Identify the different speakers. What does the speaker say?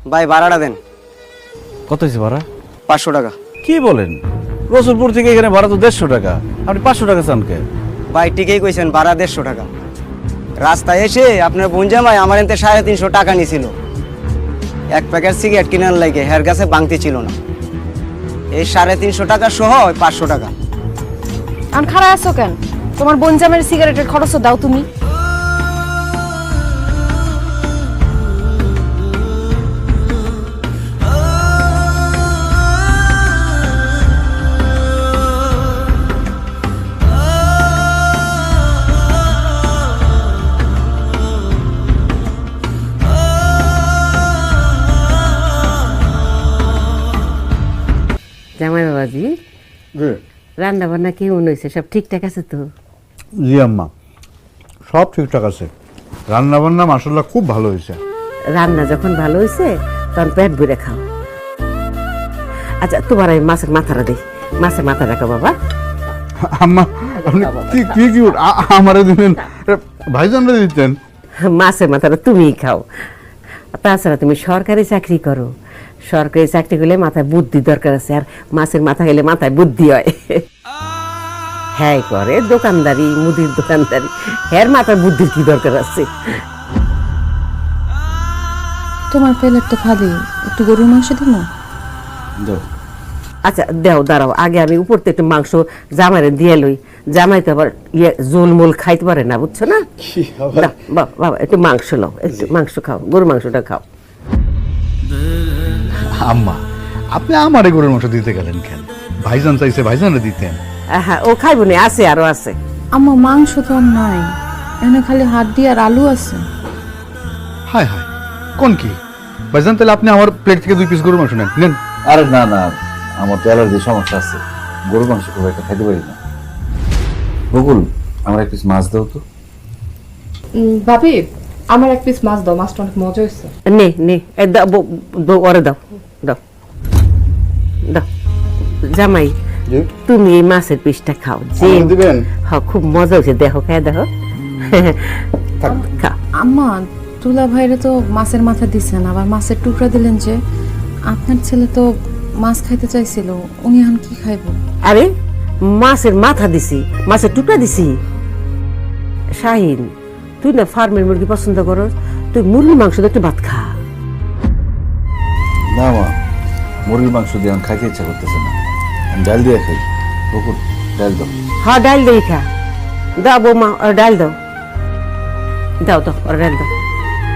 Speaker 1: ভাই ভাড়াটা দেন।
Speaker 2: কত হয়েছে ভাড়া?
Speaker 1: 500 টাকা।
Speaker 2: কি বলেন? রসুলপুর থেকে এখানে ভাড়া তো 150 টাকা, আপনি 500 টাকা চান কে?
Speaker 1: ভাই ঠিকই কইছেন, ভাড়া 150 টাকা। রাস্তায় এসে আপনার বোন জামাই আমার এতে 350 টাকা নিছিল এক প্যাকেট সিগারেট কিনার লাগে, হের কাছে বাংতি ছিল না। এই 350 টাকা সহ 500 টাকা।
Speaker 3: আন খারাপ আছো কেন? তোমার বোন জামাইয়ের সিগারেটের খরচ দাও তুমি।
Speaker 4: জামাই বাবাজি, রান্না বান্না কেমন হয়েছে? সব ঠিকঠাক আছে তো?
Speaker 5: জি আম্মা, সব ঠিকঠাক আছে। রান্না বান্না মাশাআল্লাহ খুব ভালো হয়েছে।
Speaker 4: রান্না যখন ভালো হয়েছে তখন পেট ভরে খাও। আচ্ছা, তোমার আমি মাছের মাথাটা দিই। মাছের মাথা রাখো বাবা।
Speaker 5: আম্মা আপনি কি কি কি আমারে দিলেন, ভাইজানরে দিতেন?
Speaker 4: মাছের মাথাটা তুমিই খাও। তাছাড়া তুমি সরকারি চাকরি করো, সরকারি চাকরি করলে মাথায় বুদ্ধি দরকার আছে, আর মাছের মাথা খেলে মাথায় বুদ্ধি হয়। হ্যাঁ করে দোকানদারি, মুদির দোকানদারি, হ্যার মাথায় বুদ্ধির কি দরকার আছে?
Speaker 3: তোমার প্লেট তো খালি, একটু গরুর মাংস দিব।
Speaker 4: আচ্ছা দেও, দাঁড়াও, আগে আমি উপর থেকে একটু মাংস জামাইরে দিয়ে লই। জামাই তো আবার জোলমোল খাইতে পারে না, বুঝছো না? দাও, বাবা একটু মাংস নাও, একটু মাংস খাও, গরুর মাংসটা খাও।
Speaker 5: আম্মা আপনি আমারে গরুর মাংস দিতে গেলেন কেন? ভাইজান চাইছে ভাইজানরে দিতেন।
Speaker 4: হ্যাঁ ও খাইবো না, আছে আরো আছে।
Speaker 3: আমার মাংস তো আর নাই, এখানে খালি হাড্ডি আর আলু আছে।
Speaker 5: হায় হায়, কোন কি ভাইজান? তাহলে আপনি আমার প্লেট থেকে 2 পিস গরুর মাংস নেন। নেন।
Speaker 2: আরে না না, আমার তো অ্যালার্জি সমস্যা আছে, গরুর মাংস খুব একটা খাইতে পারি না। বকুল, আমার এক পিস মাছ দাও তো।
Speaker 6: ভাবি, আমার এক পিস মাছ দাও, মাছটা অনেক মজা হয়েছে।
Speaker 4: নে নে, ওরে দাও দাও দাও। জামাই তুমি এই মাছের পিসটা খাও, যে
Speaker 5: দিবেন?
Speaker 4: হ্যাঁ খুব মজা হয়েছে, দেখো খায় দেখো। খাও।
Speaker 3: আম্মা, তুলা ভাইরে তো মাছের মাথা দিছেন, আবার মাছের টুকরা দিলেন যে। আপনার ছেলে তো মাছ খাইতে চাইছিল, উনি এখন কি খাইব?
Speaker 4: আরে মাছের মাথা দিছি, মাছের টুকরা দিছি। শাহিন, তুই না ফার্মের মুরগি পছন্দ করো, তুই মুরগির মাংস দিয়ে একটু ভাত খা।
Speaker 2: না মা, মুরগির মাংস দিয়ে আমি খাইতে ইচ্ছা করতেছে না, আমি ডাল দিয়ে খাই। বকুল, ডাল দাও।
Speaker 4: হ্যাঁ ডাল দিয়ে খা। দাও বৌমা, ডাল দাও, দাও দাও, ডাল দাও।